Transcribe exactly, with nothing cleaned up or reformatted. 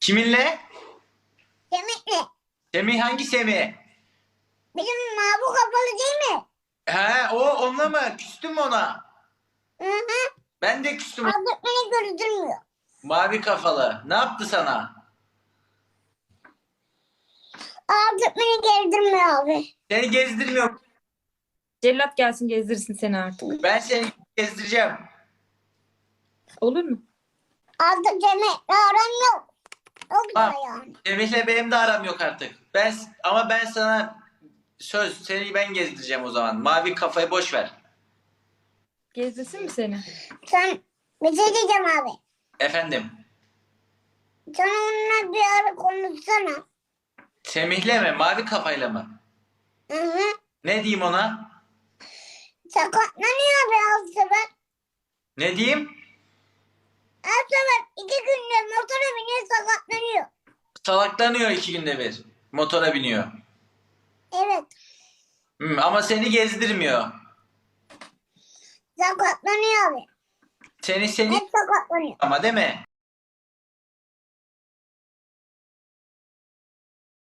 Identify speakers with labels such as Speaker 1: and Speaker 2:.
Speaker 1: Kiminle?
Speaker 2: Semih'le.
Speaker 1: Semih hangi Semih?
Speaker 2: Bizim mavi kafalı değil mi?
Speaker 1: He o onunla mı? Küstün mü ona?
Speaker 2: Hı hı.
Speaker 1: Ben de küstüm.
Speaker 2: Abi beni gördürmüyor.
Speaker 1: Mavi kafalı. Ne yaptı sana?
Speaker 2: Abi beni gezdirmiyor abi.
Speaker 1: Seni gezdirmiyorum.
Speaker 3: Cellat gelsin gezdirsin seni artık.
Speaker 1: Ben seni gezdireceğim.
Speaker 3: Olur mu?
Speaker 2: Artık Semih'le aram yok. Yok
Speaker 1: Ha.
Speaker 2: da yani.
Speaker 1: Semih'le benim de aram yok artık. Ben ama ben sana söz seni ben gezdireceğim o zaman. Mavi kafayı boş ver.
Speaker 3: Gezdirsin mi seni?
Speaker 2: Sen bir şey diyeceğim abi.
Speaker 1: Efendim.
Speaker 2: Sen onunla bir ara konuşsana.
Speaker 1: Semih'le mi? Mavi kafayla mı?
Speaker 2: Hı hı.
Speaker 1: Ne diyeyim ona?
Speaker 2: Sakatlanıyor abi her sefer.
Speaker 1: Ne diyeyim?
Speaker 2: Her sefer iki günde motora biniyor sakatlanıyor.
Speaker 1: Salaklanıyor iki günde bir. Motora biniyor.
Speaker 2: Evet.
Speaker 1: Hmm, ama seni gezdirmiyor.
Speaker 2: Sakatlanıyor abi.
Speaker 1: Seni seni
Speaker 2: Hep sakatlanıyor.
Speaker 1: ama değil mi?